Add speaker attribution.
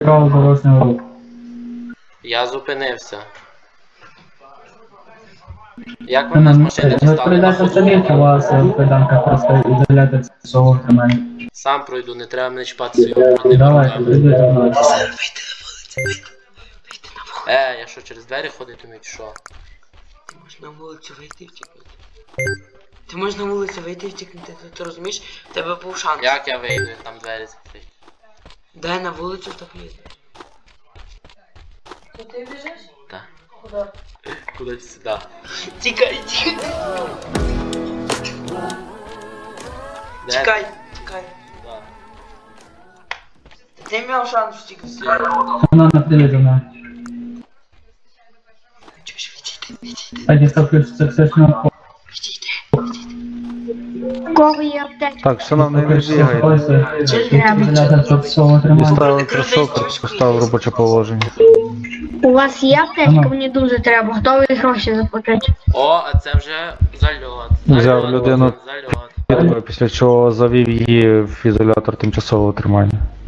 Speaker 1: Правого дорожнього руху.
Speaker 2: Я зупинився. Як ви мене з машини
Speaker 1: Ви
Speaker 2: дістали?
Speaker 1: прийдете самі, у вас педанка просто ізоляція цього тримання.
Speaker 2: Сам пройду, не треба мене чіпати своїми брудними
Speaker 1: Давайте,
Speaker 2: руками.
Speaker 1: прийдіть до нас.
Speaker 2: Я що, через двері ходити вмію, чи що?
Speaker 3: Ти можеш на вулицю вийти і втікнути. Ти можеш на вулицю вийти і втікнути, ти розумієш? В тебе був шанс.
Speaker 2: Як я вийду, як там двері закриті?
Speaker 3: Дай на вулицю, так їздиш.
Speaker 4: То ти біжиш?
Speaker 2: Так.
Speaker 4: Куди?
Speaker 2: Кудись сюди.
Speaker 3: Тікай, тікай.
Speaker 2: Де?
Speaker 3: Тікай, тікай.
Speaker 2: Да.
Speaker 3: Ти мав шанс втікнути.
Speaker 1: Вона не прийде до нас.
Speaker 3: Чуєш, відійди.
Speaker 1: А дістав ключ з токсичного
Speaker 5: Кого є аптечка?
Speaker 6: Так, шановний, не
Speaker 1: ключ з
Speaker 6: бігайте.
Speaker 1: ізоляція цього тримання.
Speaker 6: Дістали кросовки, поставив робоче положення.
Speaker 5: У вас є аптечка? Мені дуже треба. Готові гроші заплатити.
Speaker 2: О, а це вже зальот.
Speaker 6: Взяв людину.
Speaker 2: Зальот.
Speaker 6: Після чого завів її в ізолятор тимчасового тримання.